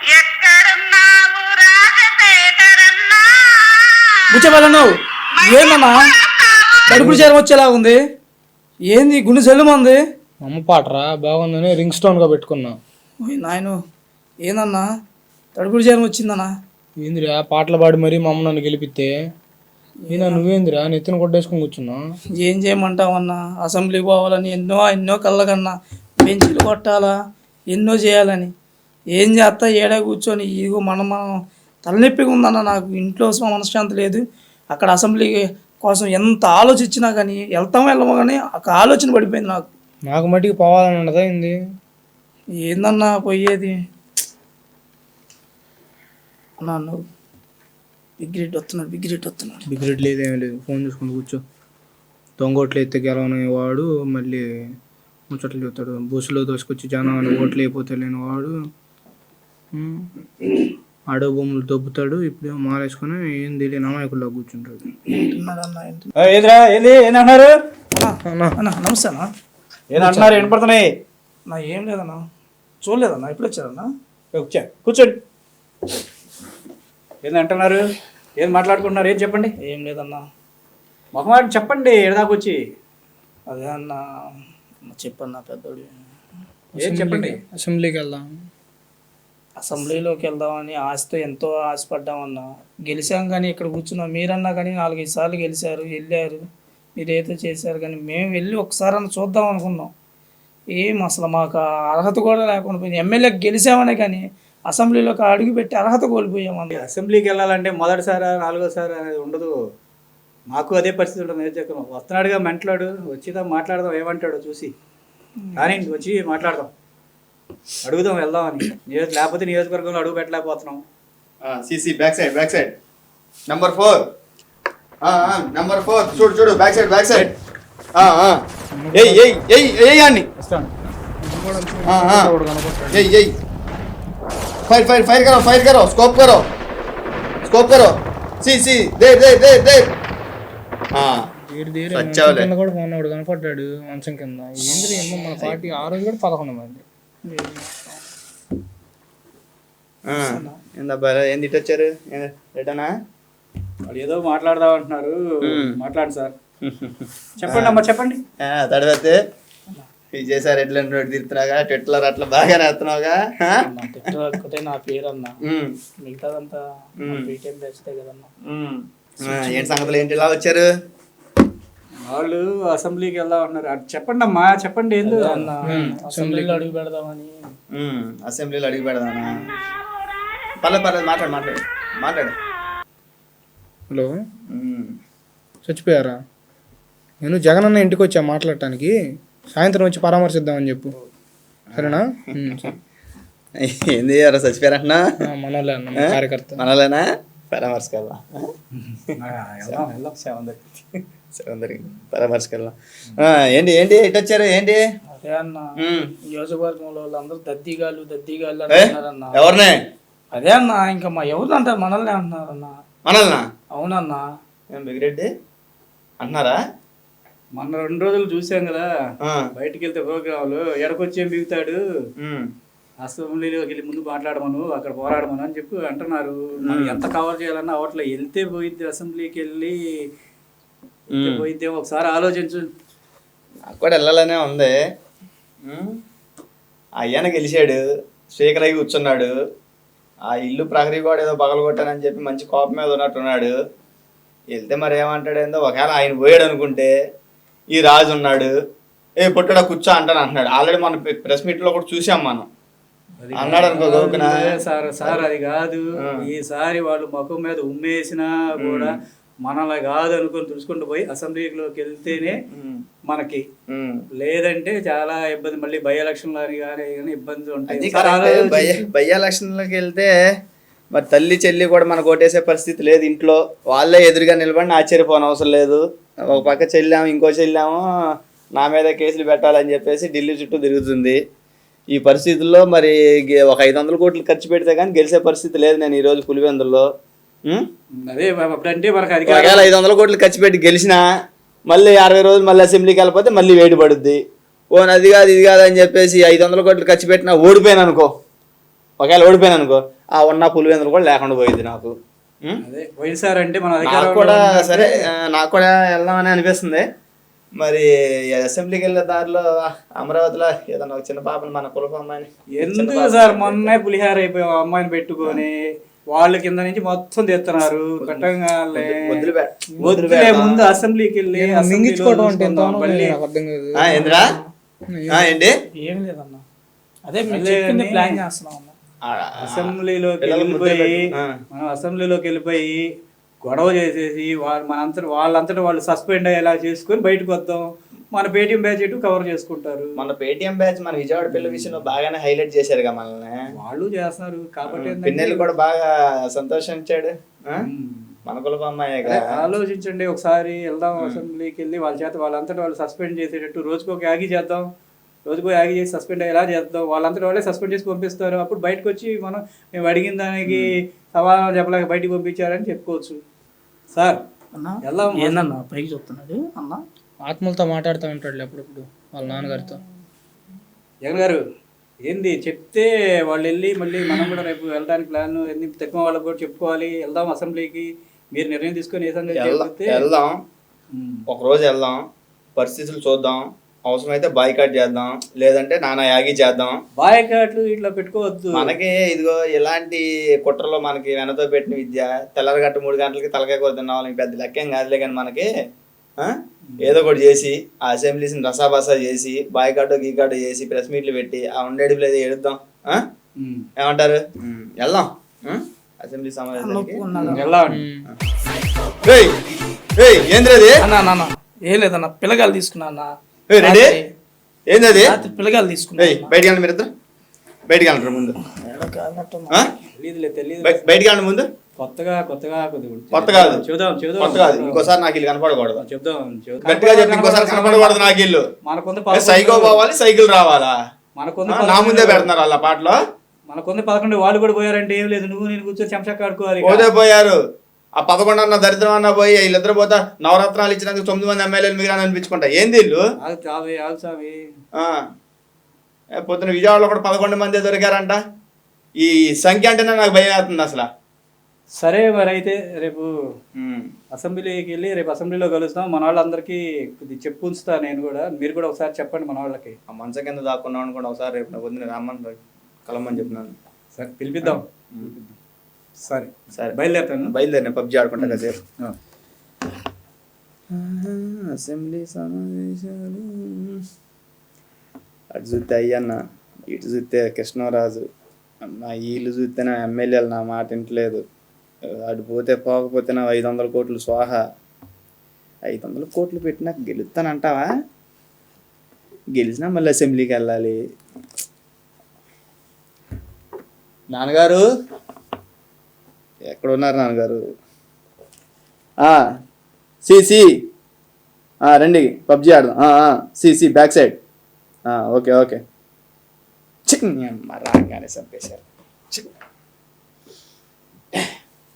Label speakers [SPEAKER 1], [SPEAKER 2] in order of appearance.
[SPEAKER 1] బుచ్చబెళ్ళను ఏందన్నా కడుపులు చేరం వచ్చేలా ఉంది. ఏంది గుండె సెల్లుమంది?
[SPEAKER 2] అమ్మ పాటరా బాగుందని రింగ్ స్టోన్గా పెట్టుకున్నా.
[SPEAKER 1] నాయను ఏందన్నా కడుపులు చేరం వచ్చిందన్నా?
[SPEAKER 2] ఏందిరా పాటలు పాడి మరీ మా అమ్మ నన్ను గెలిపితే ఈయన నువ్వేందిరా నెత్తిన కొట్టేసుకుని కూర్చున్నా.
[SPEAKER 1] ఏం చేయమంటావన్నా, అసెంబ్లీకి పోవాలని ఎన్నో కళ్ళకన్నా, బెంచీలు కొట్టాలా ఎన్నో చేయాలని ఏం చేస్తా ఏడా కూర్చొని ఇదిగో మనం తలనొప్పిగా ఉందన్న. నాకు ఇంట్లో మనశ్శాంతి లేదు. అక్కడ అసెంబ్లీ కోసం ఎంత ఆలోచించినా కానీ వెళ్ళమో కానీ ఒక ఆలోచన పడిపోయింది నాకు.
[SPEAKER 2] నాకు మట్టికి పోవాలని ఉండదా ఏంది?
[SPEAKER 1] ఏందన్నా పోయేది అన్నా? నువ్వు బిగ్రెడ్ వస్తున్నాడు.
[SPEAKER 2] బిగ్రెడ్ లేదేమీ లేదు, ఫోన్ చూసుకుంటూ కూర్చో. దొంగోట్లు ఎత్తే గెలవని వాడు మళ్ళీ ముచ్చట్లు చెప్తాడు. బస్సులో దోసుకొచ్చి జనం అని ఓట్లు అయిపోతే లేని వాడు ఆడో భూములు దొబ్బుతాడు. ఇప్పుడేమో మారేసుకుని ఏం తెలియని అమాయకుల్లో కూర్చుంటాడు.
[SPEAKER 3] ఏంటన్నారు?
[SPEAKER 1] నమస్తే అన్న.
[SPEAKER 3] ఏమంటున్నారు? ఏం పడుతున్నాయి?
[SPEAKER 1] నా ఏం లేదన్నా, చూడలేదన్నా. ఎప్పుడు వచ్చారన్నా?
[SPEAKER 3] కూర్చోండి. ఏంటంటున్నారు? ఏం మాట్లాడుకుంటున్నారు? ఏం చెప్పండి.
[SPEAKER 1] ఏం లేదన్నా,
[SPEAKER 3] మొహమాట చెప్పండి. ఎడదాకొచ్చి
[SPEAKER 1] అదే అన్న చెప్పన్నా పెద్దోడు.
[SPEAKER 3] ఏం చెప్పండి.
[SPEAKER 2] అసెంబ్లీకి వెళ్దాం.
[SPEAKER 1] అసెంబ్లీలోకి వెళ్దామని ఆశతో ఎంతో ఆశపడ్డామన్నా. గెలిచాం కానీ ఇక్కడ కూర్చున్నాం. మీరన్నా కానీ 4-5 సార్లు వెళ్ళారు, మీరైతే చేశారు. కానీ మేము వెళ్ళి ఒకసారి అన్న చూద్దాం అనుకున్నాం. ఏం అసలు మాకు అర్హత కూడా లేకుండా పోయింది. ఎమ్మెల్యేకి గెలిచామనే కానీ అసెంబ్లీలోకి అడుగు పెట్టి అర్హత కోల్పోయామన్నా.
[SPEAKER 3] అసెంబ్లీకి వెళ్ళాలంటే మొదటిసారి 4వ సారి అనేది ఉండదు. మాకు అదే పరిస్థితి ఉంటుంది. నియోజకవర్గం వస్తున్నాడుగా మెంటలాడు, వచ్చిదా మాట్లాడదాం, ఏమంటాడో చూసి కానీ వచ్చి మాట్లాడదాం, అడుగుదాం, వెళ్దామని. లేకపోతే నియోజకవర్గంలో అడుగు పెట్టలేకపోతున్నాం.
[SPEAKER 4] సిసి బ్యాక్ సైడ్ నంబర్ 4 చూడు బ్యాక్ సైడ్ అన్ని फायर करो स्कोप करो सी दे
[SPEAKER 2] కూడా మొన్నోడు కనపడ్డాడు మంచం కింద. ఏంద్రీ ఏమో మన పార్టీ ఆ రోజు కూడా 11 మంది.
[SPEAKER 4] ఏంది ఇటు వచ్చారు? రిటర్నా?
[SPEAKER 3] వాళ్ళు ఏదో మాట్లాడదాం అంటున్నారు. మాట్లాడు సార్. చెప్పండి అమ్మా, చెప్పండి.
[SPEAKER 4] తడవతే విజయసారి ఎట్లా తిరుగుతున్నావుగా, ట్విట్టర్ అట్లా బాగానే వస్తున్నావుగా.
[SPEAKER 1] నా పేరు అన్న, మిగతాదంతా బీటెం బెస్టే కదన్నా.
[SPEAKER 4] ఏంటి సంగతులు? ఏంటి ఇలా వచ్చారు?
[SPEAKER 3] వాళ్ళు అసెంబ్లీకి వెళ్దాం అంటున్నారు. చెప్పండి అమ్మా, చెప్పండి. ఏందో
[SPEAKER 1] అసెంబ్లీలో అడుగు పెడదామని.
[SPEAKER 4] అసెంబ్లీలో అడుగు పెడదామా? పర్లేదు మాట్లాడు.
[SPEAKER 2] హలో, చచ్చిపోయారా? నేను జగన్ అన్న ఇంటికి వచ్చా మాట్లాడటానికి. సాయంత్రం వచ్చి పరామర్శిద్దామని చెప్పు, సరేనా?
[SPEAKER 4] ఏంది ఎవరో చచ్చిపోయారంటున్నా?
[SPEAKER 2] మనోళ్ళే అన్న, కార్యకర్త.
[SPEAKER 4] మనోళ్ళేనా? పరామర్శకెళ్దాం. పరామర్శకెళ్దాం. ఏంటి ఇటు వచ్చారు? ఏంటి?
[SPEAKER 1] అదే అన్న, నియోజకవర్గంలో వాళ్ళందరూ దద్దీగాళ్ళు అంటున్నారన్న.
[SPEAKER 4] ఎవరినే?
[SPEAKER 1] అదే అన్న, ఇంకా మా ఎవరు అంటారు? మనల్ని అంటున్నారన్న.
[SPEAKER 4] మనల్నా?
[SPEAKER 1] అవునన్నా.
[SPEAKER 4] బిగిరెడ్డి అంటున్నారా?
[SPEAKER 3] మొన్న 2 రోజులు చూసాం కదా బయటికి వెళ్తే ప్రోగ్రాంలు. ఎడకొచ్చేం బిగుతాడు, అసెంబ్లీలోకి వెళ్ళి ముందు మాట్లాడమను, అక్కడ పోరాడమను అని చెప్పి అంటున్నారు. మనం ఎంత కవర్ చేయాలన్నా అవట్లా. వెళ్తే పోయిద్ది, అసెంబ్లీకి వెళ్ళి పోయిద్దే. ఒకసారి ఆలోచించు.
[SPEAKER 4] నాకు కూడా వెళ్ళాలనే ఉంది. అయ్యాన గెలిచాడు, స్పీకర్ అయ్యి కూర్చున్నాడు. ఆ ఇల్లు ప్రహరీ కూడా ఏదో పగలగొట్టానని చెప్పి మంచి కోపం మీద ఉన్నట్టున్నాడు. వెళ్తే మరి ఏమంటాడేందో. ఒకవేళ ఆయన పోయాడు అనుకుంటే ఈ రాజు ఉన్నాడు, పుట్టడా కూర్చో అంటున్నాడు. ఆల్రెడీ మన ప్రెస్ మీట్ లో కూడా చూసాం మనం. అన్నాడు అనుకో గోకునా
[SPEAKER 3] సార్ అది కాదు. ఈసారి వాళ్ళు ముఖం మీద ఉమ్మేసినా కూడా మనలా కాదు అనుకుని తుడుచుకుంటూ పోయి అసెంబ్లీలోకి వెళ్తేనే మనకి, లేదంటే చాలా ఇబ్బంది. మళ్ళీ బై ఎలక్షన్ కానీ ఇబ్బందులు ఉంటాయి.
[SPEAKER 4] బై ఎలక్షన్లోకి వెళ్తే మరి తల్లి చెల్లి కూడా మనకు ఓటేసే పరిస్థితి లేదు. ఇంట్లో వాళ్ళే ఎదురుగా నిలబడి ఆశ్చర్యపోని అవసరం లేదు. ఒక పక్క చెల్లాము, ఇంకో చెల్లాము నా మీద కేసులు పెట్టాలని చెప్పేసి ఢిల్లీ చుట్టూ తిరుగుతుంది. ఈ పరిస్థితుల్లో మరి ఒక 500 కోట్లు ఖర్చు పెడితే కానీ గెలిచే పరిస్థితి లేదు. నేను ఈరోజు పులివెందుల్లో
[SPEAKER 3] అదే అంటే మనకు
[SPEAKER 4] 500 కోట్లు ఖర్చు పెట్టి గెలిచినా మళ్ళీ 60 రోజులు మళ్ళీ అసెంబ్లీకి వెళ్ళిపోతే మళ్ళీ వేడి పడుద్ది. ఓ అది కాదు ఇది కాదు అని చెప్పేసి 500 కోట్లు ఖర్చు పెట్టినా ఓడిపోయాను అనుకో, ఒకవేళ ఓడిపోయాను అనుకో ఆ ఉన్న పులివెందులు కూడా లేకుండా పోయింది నాకు.
[SPEAKER 3] అదే పోయినసారి అంటే మన
[SPEAKER 4] నాకు
[SPEAKER 3] అధికారంలో
[SPEAKER 4] కూడా
[SPEAKER 3] ఉన్నప్పుడు
[SPEAKER 4] సరే నాకు కూడా వెళ్దామని అనిపిస్తుంది. మరి అసెంబ్లీకి వెళ్ళే దారిలో అమరావతిలో ఏదన్నా ఒక చిన్న పాపని మన కులపు అమ్మాయిని
[SPEAKER 3] ఎందుకు సార్ మొన్నే పులిహార అయిపోయి అమ్మాయిని పెట్టుకొని వాళ్ళ కింద నుంచి మొత్తం తెస్తున్నారు కట్టంగానే. వద్దులే, ముందు అసెంబ్లీకి వెళ్ళి అసెంబ్లీలో
[SPEAKER 2] మింగించుకోవడం అంటే ఎంత
[SPEAKER 3] చూసుకుందాం. మళ్ళీ
[SPEAKER 2] నాకు అర్థం కాదు.
[SPEAKER 4] ఏంద్రా ఏంటి
[SPEAKER 1] ఏం లేదన్న, అదే మీరు చెప్పింది ప్లాన్ చేస్తున్నాం అన్న.
[SPEAKER 3] అసెంబ్లీలోకి వెళ్ళిపోయి మనం అసెంబ్లీలోకి వెళ్ళిపోయి గొడవ చేసేసి వాళ్ళంతటా వాళ్ళు సస్పెండ్ అయ్యేలా చేసుకొని బయటకు వద్దాం. మన పేటీఎం బ్యాచ్ ఇటు కవర్ చేసుకుంటారు.
[SPEAKER 4] మన పేటీఎం బ్యాచ్ మన విజయవాడ పిల్ల విషయంలో బాగానే హైలైట్ చేశారుగా మనల్ని.
[SPEAKER 3] వాళ్ళు చేస్తున్నారు కాబట్టి ఏంటంటే
[SPEAKER 4] పిన్నెల్లి కూడా బాగా సంతోషించాడు. మన కులపు అమ్మాయిగా
[SPEAKER 3] ఆలోచించండి ఒకసారి. వెళ్దాం అసెంబ్లీకి వెళ్ళి వాళ్ళ చేత వాళ్ళంతటా వాళ్ళు సస్పెండ్ చేసేటట్టు రోజుకొక యాగి చేద్దాం. రోజుకో యాగి చేసి సస్పెండ్ అయ్యేలా చేద్దాం. వాళ్ళంతటా వాళ్ళే సస్పెండ్ చేసి పంపిస్తారు. అప్పుడు బయటకు వచ్చి మేము అడిగిన దానికి సమాధానం చెప్పలేక బయటికి పంపించారని చెప్పుకోవచ్చు. సార్
[SPEAKER 1] అన్న
[SPEAKER 3] వెళ్దాం.
[SPEAKER 1] ఏందన్నా పైకి చెప్తున్నాడు అన్న?
[SPEAKER 2] ఆత్మలతో మాట్లాడుతూ ఉంటాడు అప్పుడప్పుడు వాళ్ళ నాన్నగారితో.
[SPEAKER 3] జగన్ గారు ఏంది చెప్తే వాళ్ళు వెళ్ళి మళ్ళీ మనం కూడా రేపు వెళ్ళడానికి ప్లాన్ ఎన్ని తక్కువ వాళ్ళకి కూడా చెప్పుకోవాలి. వెళ్దాం అసెంబ్లీకి, మీరు నిర్ణయం తీసుకొని ఏ సంగతి చెప్తే
[SPEAKER 4] వెళ్దాం. ఒక రోజు వెళ్దాం, పరిస్థితులు చూద్దాం. అవసరమైతే బాయ్కాట్ చేద్దాం, లేదంటే నానా యాగి చేద్దాం.
[SPEAKER 3] బాయ్కాట్లు ఇట్లా పెట్టుకోవద్దు.
[SPEAKER 4] మనకి ఇదిగో ఇలాంటి కుట్రలో మనకి వెనతో పెట్టిన విద్య. తెల్లరగట్ట 3 గంటలకి తలకాయ కూర తిన్నాం పెద్ద లెక్కేం కాదులే. కానీ మనకి ఏదో ఒకటి చేసి ఆ అసెంబ్లీస్ని రసాబసా చేసి బాయ్కాటో గీకాటో చేసి ప్రెస్ మీట్లు పెట్టి ఆ ఉండేది లేదు ఎడుద్దాం. ఏమంటారు? వెళ్దాం అసెంబ్లీ సమావేశానికి. ఏంద్రది
[SPEAKER 1] అన్న ఏం లేదన్న, పిల్లగాలు తీసుకున్నా అన్న.
[SPEAKER 4] రెడీ ఏంది
[SPEAKER 1] పిల్లగాలు తీసుకున్నా.
[SPEAKER 4] బయటికి వెళ్ళండి మీరిద్దరు, బయటికి వెళ్ళండి ముందు. బయటికి వెళ్ళండి ముందు.
[SPEAKER 3] కొత్తగా
[SPEAKER 4] కొత్త కాదు,
[SPEAKER 3] చూద్దాం
[SPEAKER 4] కొత్త కాదు. ఇంకోసారి నాకు ఇల్లు కనపడకూడదు.
[SPEAKER 3] చెప్దాం
[SPEAKER 4] గట్టిగా చెప్పి ఇంకోసారి కనపడకూడదు నాకు ఇల్లు.
[SPEAKER 3] మనకొంది
[SPEAKER 4] సైకో పోవాలి, సైకిల్ రావాలా?
[SPEAKER 3] మనకొంది
[SPEAKER 4] నా ముందే పెడుతున్నారు వాళ్ళ పాటలో.
[SPEAKER 3] మనకొంది 11 వాళ్ళు కూడా పోయారంటే ఏం లేదు, నువ్వు నేను కూర్చొని చెంచా కాడుకోవాలి.
[SPEAKER 4] పోతే పోయారు. ఆ 11 అన్న దరిద్రం అన్న పోయి వీళ్ళిద్దరు పోతా నవరత్నాలు ఇచ్చినందుకు 9 మంది ఎమ్మెల్యేలు మిగిలిన అనిపించుకుంటా. ఏంది ఇల్లు? పొద్దున విజయవాడలో కూడా 11 మంది దొరికారంట. ఈ సంఖ్య అంటేనే నాకు భయం అవుతుంది అసలు.
[SPEAKER 3] సరే మరి అయితే రేపు అసెంబ్లీకి వెళ్ళి రేపు అసెంబ్లీలో కలుస్తాం. మన వాళ్ళందరికీ చెప్పు ఉంచుతా నేను కూడా, మీరు కూడా ఒకసారి చెప్పండి మన వాళ్ళకి.
[SPEAKER 4] ఆ మంచం కింద దాక్కున్నాం అనుకోండి ఒకసారి రేపు పొద్దున రామ్మని కలమని చెప్పినాను.
[SPEAKER 3] సరే పిలిపిద్దాం. సరే సరే బయలుదేరిన
[SPEAKER 4] పబ్జీ ఆడుకుంటా కాసేపు. అసెంబ్లీ సమావేశాలు అటు చూస్తే అయ్యన్న, ఇటు చూస్తే కృష్ణరాజు. నా వీళ్ళు చూస్తే నా ఎమ్మెల్యేలు నా మాట వింటలేదు. అటు పోతే పోకపోతే నా 500 కోట్లు స్వాహ. 500 కోట్లు పెట్టినా గెలుస్తానంటావా? గెలిచినా మళ్ళీ అసెంబ్లీకి వెళ్ళాలి. నాన్నగారు ఎక్కడ ఉన్నారు నాన్నగారు? సి రండి పబ్జీ ఆడదాం. C back side. ఓకే రాగానే చంపేశారు.